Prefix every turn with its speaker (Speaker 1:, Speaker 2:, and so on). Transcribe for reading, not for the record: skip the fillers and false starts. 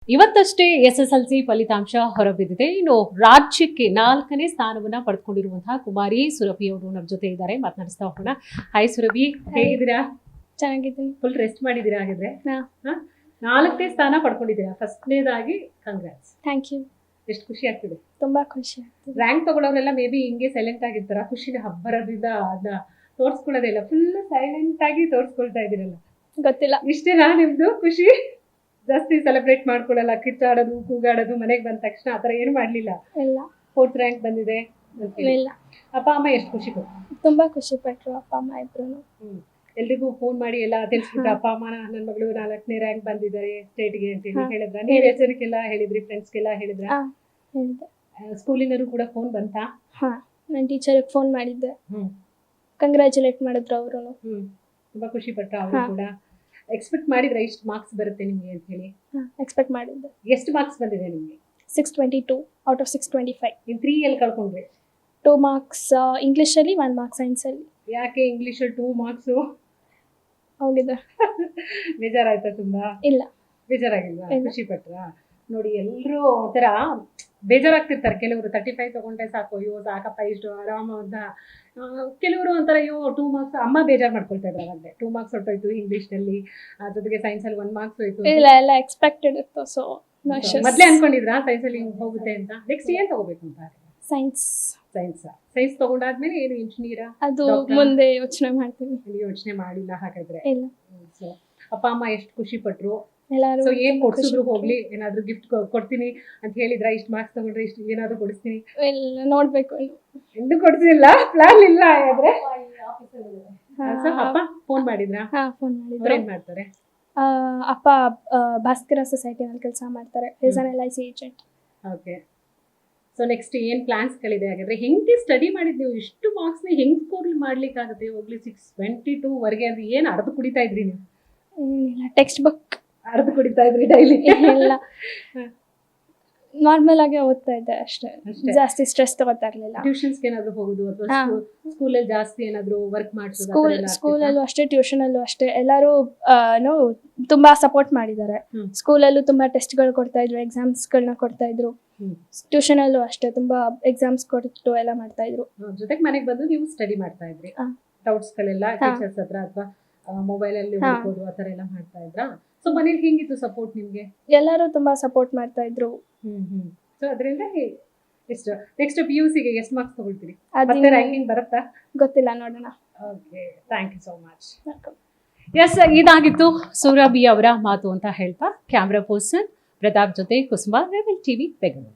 Speaker 1: ಇವತ್ತಷ್ಟೇ SSLC ಫಲಿತಾಂಶ ಹೊರಬಿದ್ದಿದೆ. ಇನ್ನು ರಾಜ್ಯಕ್ಕೆ 4ನೇ ಸ್ಥಾನವನ್ನ ಪಡೆದುಕೊಂಡಿರುವಂತಹ ಕುಮಾರಿ ಸುರಭಿ ಅವರು ನಮ್ಮ ಜೊತೆ ಇದ್ದಾರೆ. ಮಾತನಾಡಿಸ್ತಾ ಹೋಗೋಣ. ಹಾಯ್ ಸುರಭಿ, ಹೇಗಿದ್ದೀರಾ?
Speaker 2: ಚೆನ್ನಾಗಿದ್ದೀನಿ.
Speaker 1: ಫುಲ್ ರೆಸ್ಟ್ ಮಾಡಿದ್ದೀರಾ ಹಾಗಿದ್ರೆ? 4ನೇ ಸ್ಥಾನ ಪಡ್ಕೊಂಡಿದ್ದೀರಾ. ಫಸ್ಟ್ನೇದಾಗಿ ಕಂಗ್ರಾಟ್ಸ್.
Speaker 2: Thank you.
Speaker 1: ಎಷ್ಟು ಖುಷಿ ಆಗ್ತಿದೆ?
Speaker 2: ತುಂಬಾ ಖುಷಿ ಆಗ್ತಿದೆ.
Speaker 1: ರ್ಯಾಂಕ್ ತಗೊಳ್ಳೋರೆಲ್ಲ ಮೇ ಬಿ ಹಿಂಗೆ ಸೈಲೆಂಟ್ ಆಗಿರ್ತಾರ, ಖುಷಿನ ಹಬ್ಬರದಿಂದ ಅದನ್ನ ತೋರಿಸ್ಕೊಳ್ಳೋದಿಲ್ಲ, ಫುಲ್ ಸೈಲೆಂಟ್ ಆಗಿ ತೋರಿಸ್ಕೊಳ್ತಾ ಇದ್ದೀರಲ್ಲ,
Speaker 2: ಗೊತ್ತಿಲ್ಲ.
Speaker 1: ಇಷ್ಟೇನಾ ನಿಮ್ದು ಖುಷಿ? ಜಾಸ್ತಿ ಸೆಲೆಬ್ರೇಟ್ ಮಾಡ್ಕೊಳ್ಳಲ್ಲ, ಕಿಚ್ಚಾಡೋದು, ಕೂಗಾಡೋದು, ಮನೆಗೆ ಬಂದ ತಕ್ಷಣ ಆತರ ಏನು ಮಾಡ್ಲಿಲ್ಲ?
Speaker 2: ಇಲ್ಲ.
Speaker 1: 4th ರ್ಯಾಂಕ್ ಬಂದಿದೆ
Speaker 2: ಇಲ್ಲ.
Speaker 1: ಅಪ್ಪ ಅಮ್ಮ ಎಷ್ಟು ಖುಷಿ ಪಟ್ರು?
Speaker 2: ತುಂಬಾ ಖುಷಿ ಪಟ್ರು ಅಪ್ಪ ಅಮ್ಮ ಇಬ್ರು.
Speaker 1: ಎಲ್ರಿಗೂ ಫೋನ್ ಮಾಡಿ ಎಲ್ಲ ತಿಳಿಸ್ಬಿಟ್ಟು ಅಪ್ಪ ಅಮ್ಮ ನನ್ನ ಮಗಳು 4ನೇ ರ್ಯಾಂಕ್ ಬಂದಿದ್ದಾರೆ ಸ್ಟೇಟ್ಗೆ ಅಂತ ಹೇಳಿ ಹೇಳಿದ್ರ? ನೀವು ಹೆಸರಿಗೆಲ್ಲ ಹೇಳಿದ್ರಿ, ಫ್ರೆಂಡ್ಸ್ಗೆಲ್ಲ ಹೇಳಿದ್ರ?
Speaker 2: ಹೇಳಿದೆ.
Speaker 1: ಸ್ಕೂಲಿನವರು ಕೂಡ ಫೋನ್ ಬಂತಾ?
Speaker 2: ಹಾ, ನನ್ನ ಟೀಚರ್ಗೆ ಫೋನ್ ಮಾಡಿದ್ದೆ. ಕಂಗ್ರ್ಯಾಚುಲೇಟ್ ಮಾಡಿದ್ರು ಅವರು.
Speaker 1: ತುಂಬಾ ಖುಷಿ ಪಟ್ಟ ಅವರು ಕೂಡ? ಎಕ್ಸ್ಪೆಕ್ಟ್ ಮಾಡಿದ್ರೆ ಇಷ್ಟು ಮಾರ್ಕ್ಸ್ ಬರುತ್ತೆ ನಿಮ್ಗೆ ಅಂತ ಹೇಳಿ?
Speaker 2: ಎಕ್ಸ್ಪೆಕ್ಟ್ ಮಾಡಿದ್ದೆ.
Speaker 1: ಎಷ್ಟು ಮಾರ್ಕ್ಸ್ ಬಂದಿದೆ ನಿಮ್ಗೆ?
Speaker 2: 622 ಔಟ್ ಆಫ್ 625.
Speaker 1: ನೀವು 3 ಎಲ್ಲಿ ಕಳ್ಕೊಂಡ್ರಿ?
Speaker 2: 2 ಮಾರ್ಕ್ಸ್ ಇಂಗ್ಲಿಷಲ್ಲಿ, 1 ಮಾರ್ಕ್ ಸೈನ್ಸಲ್ಲಿ.
Speaker 1: ಯಾಕೆ ಇಂಗ್ಲಿಷಲ್ಲಿ 2 ಮಾರ್ಕ್ಸ್
Speaker 2: ಹೋಗಿದೆ.
Speaker 1: ಬೇಜಾರಾಯ್ತಾ ತುಂಬಾ?
Speaker 2: ಇಲ್ಲ.
Speaker 1: ಬೇಜಾರಾಗಿಲ್ವಾ? ಖುಷಿ ಪಟ್ರಾ? ನೋಡಿ, ಎಲ್ಲರೂ ಒಂಥರ ಬೇಜಾರಾಗ್ತಿರ್ತಾರೆ. ಕೆಲವರು 35 ತಗೊಂಡ್ರೆ ಸಾಕು, ಅಯ್ಯೋ ಸಾಕಪ್ಪ ಇಷ್ಟು ಆರಾಮ ಅಂತ. ಕೆಲವರು ಒಂಥರ ಅಯ್ಯೋ 2 ಮಾರ್ಕ್ಸ್, ಅಮ್ಮ ಬೇಜಾರು ಮಾಡ್ಕೊಳ್ತಾ ಇದ್ರು ಅವಾಗಲೇ. 2 ಮಾರ್ಕ್ಸ್ ಹೊರಟೋಯ್ತು ಇಂಗ್ಲಿಷ್ನಲ್ಲಿ, ಜೊತೆಗೆ ಸೈನ್ಸಲ್ಲಿ 1 ಮಾರ್ಕ್ಸ್ ಹೋಯ್ತು.
Speaker 2: ಇಲ್ಲ, ಎಲ್ಲ ಎಕ್ಸ್ಪೆಕ್ಟೆಡ್ ಇತ್ತು. ಸೊ
Speaker 1: ಮೊದಲೇ ಅನ್ಕೊಂಡಿದ್ರಾ ಸೈನ್ಸಲ್ಲಿ ಹೋಗುತ್ತೆ ಅಂತ? ನೆಕ್ಸ್ಟ್ ಏನ್ ತಗೋಬೇಕು ಅಂತ?
Speaker 2: ಸೈನ್ಸ್.
Speaker 1: ಸೈನ್ಸ್ ತಗೊಂಡಾದ್ಮೇಲೆ ಏನು ಇಂಜಿನಿಯರಾ?
Speaker 2: ಅದು ಮುಂದೆ ಯೋಚನೆ ಮಾಡ್ತೀನಿ.
Speaker 1: ಯೋಚನೆ ಮಾಡಿಲ್ಲ ಹಾಗಾದ್ರೆ?
Speaker 2: ಇಲ್ಲ.
Speaker 1: ಸೊ ಅಪ್ಪ ಅಮ್ಮ ಎಷ್ಟು ಖುಷಿ ಪಟ್ರು?
Speaker 2: ಎಲ್ಲರೂ
Speaker 1: ಸೊ ಏನ್ ಕೊಡ್ಸಿದ್ರು? ಹೋಗ್ಲಿ, ಏನಾದ್ರು ಗಿಫ್ಟ್ ಕೊಡ್ತೀನಿ ಅಂತ ಹೇಳಿದ್ರ? ಇಷ್ಟು ಮಾರ್ಕ್ಸ್ ತಗೊಂಡ್ರೆ ಇಷ್ಟು ಏನಾದ್ರು ಕೊಡಿಸ್ತೀನಿ?
Speaker 2: ಇಲ್ಲ, ನೋಡ್ಬೇಕು.
Speaker 1: ಎಂದು ಕೊಡ್ಸಿಲ್ಲ, ಪ್ಲಾನ್ ಇಲ್ಲ ಹಾಗಾದ್ರೆ? ಅಪ್ಪ ಫೋನ್ ಮಾಡಿದ್ರಾ?
Speaker 2: ಹಾ, ಫೋನ್ ಮಾಡಿದ್ರು.
Speaker 1: ಏನ್ ಮಾಡ್ತಾರೆ?
Speaker 2: ಅಪ್ಪ ಭಾಸ್ಕರ ಸೊಸೈಟಿನಲ್ಲಿ ಕೆಲಸ ಮಾಡ್ತಾರೆ. Is an LIC agent.
Speaker 1: Okay. So next ಏನ್ ಪ್ಲಾನ್ಸ್ ಗಳಿದೆ ಹಾಗಾದ್ರೆ? ಹೆಂಗೆ ಸ್ಟಡಿ ಮಾಡಿದ್ ನೀವು? ಇಷ್ಟು ಮಾರ್ಕ್ಸ್ ನ ಹೆಂಗ್ ಸ್ಕೋರ್ ಮಾಡ್ಲಿಕ್ಕಾಗುತ್ತೆ? ಹೋಗ್ಲಿ 622 ವರೆಗೆ ಅಂದ್ರೆ ಏನ್ ಅರ್ಧ ಕುಡಿತಾ ಇದ್ರಿ ನೀವು?
Speaker 2: ಏನಿಲ್ಲ, ಟೆಕ್ಸ್ಟ್ ಬುಕ್
Speaker 1: ಅರ್ಧ ಕುಡಿತಾ ಇದ್ರಿ ಡೈಲಿ?
Speaker 2: ಇಲ್ಲ, ನಾರ್ಮಲ್ ಆಗಿ ಓದ್ತಾ ಇದ್ದೆ ಅಷ್ಟೇ. ಜಾಸ್ತಿ ಸ್ಟ್ರೆಸ್ ತಗೋತಾ ಇರ್ಲಿಲ್ಲ.
Speaker 1: ಟ್ಯೂಷನ್ಸ್ಗೆ ಏನಾದ್ರು ಹೋಗುದು ಅಥವಾ ಸ್ಕೂಲಲ್ಲಿ ಜಾಸ್ತಿ ಏನಾದ್ರು ವರ್ಕ್ ಮಾಡಿಸೋದು?
Speaker 2: ಸ್ಕೂಲಲ್ಲೂ ಅಷ್ಟೇ, ಟ್ಯೂಷನಲ್ಲೂ ಅಷ್ಟೇ. ಎಲ್ಲರೂ ತುಂಬಾ ಸಪೋರ್ಟ್ ಮಾಡಿದ್ದಾರೆ. ಸ್ಕೂಲಲ್ಲೂ ತುಂಬಾ ಟೆಸ್ಟ್ಗಳು ಕೊಡ್ತಾ ಇದ್ರು, ಎಕ್ಸಾಮ್ಸ್ಗಳನ್ನ ಕೊಡ್ತಾ ಇದ್ರು. ಟ್ಯೂಷನಲ್ಲೂ ಅಷ್ಟೇ ತುಂಬಾ ಎಕ್ಸಾಮ್ಸ್ ಕೊಟ್ಟು ಎಲ್ಲ ಮಾಡ್ತಾ ಇದ್ರು.
Speaker 1: ಜೊತೆಗೆ ಮನೆಗೆ ಬಂದು ನೀವು ಸ್ಟಡಿ ಮಾಡ್ತಾ ಇದ್ರಿ? ಡೌಟ್ಸ್ ಗಳೆಲ್ಲ ಟೀಚರ್ಸ್ ಹತ್ರ ಅಥವಾ ಮೊಬೈಲ್ ಅಲ್ಲಿ ಓದ್ಬೋದು ಆತರ ಎಲ್ಲ ಮಾಡ್ತಾ ಇದ್ರಾ? ಸೊ ಮನೇಲಿ ಹೆಂಗಿತ್ತು ಸಪೋರ್ಟ್ ನಿಮ್ಗೆ?
Speaker 2: ಎಲ್ಲರೂ ತುಂಬಾ ಸಪೋರ್ಟ್ ಮಾಡ್ತಾ ಇದ್ರು.
Speaker 1: ಸೊ ಅದರಿಂದ ಎಷ್ಟು ನೆಕ್ಸ್ಟ್ PUC ಗೆ ಎಷ್ಟು ಮಾರ್ಕ್ಸ್ ತಗೊಳ್ತೀರಿ? ಮತ್ತೆ ರ್ಯಾಂಕಿಂಗ್ ಬರುತ್ತಾ?
Speaker 2: ಗೊತ್ತಿಲ್ಲ, ನೋಡೋಣ.
Speaker 1: Okay, thank you so much. Yes, ಇದಾಗಿತ್ತು ಸುರಭಿ ಅವರ ಮಾತು ಅಂತ ಹೇಳ್ತಾ ಕ್ಯಾಮ್ರಾ ಪರ್ಸನ್ ಪ್ರತಾಪ್ ಜೊತೆ ಕುಸುಮ, ರೆಬೆಲ್ TV, ಬೆಂಗಳೂರು.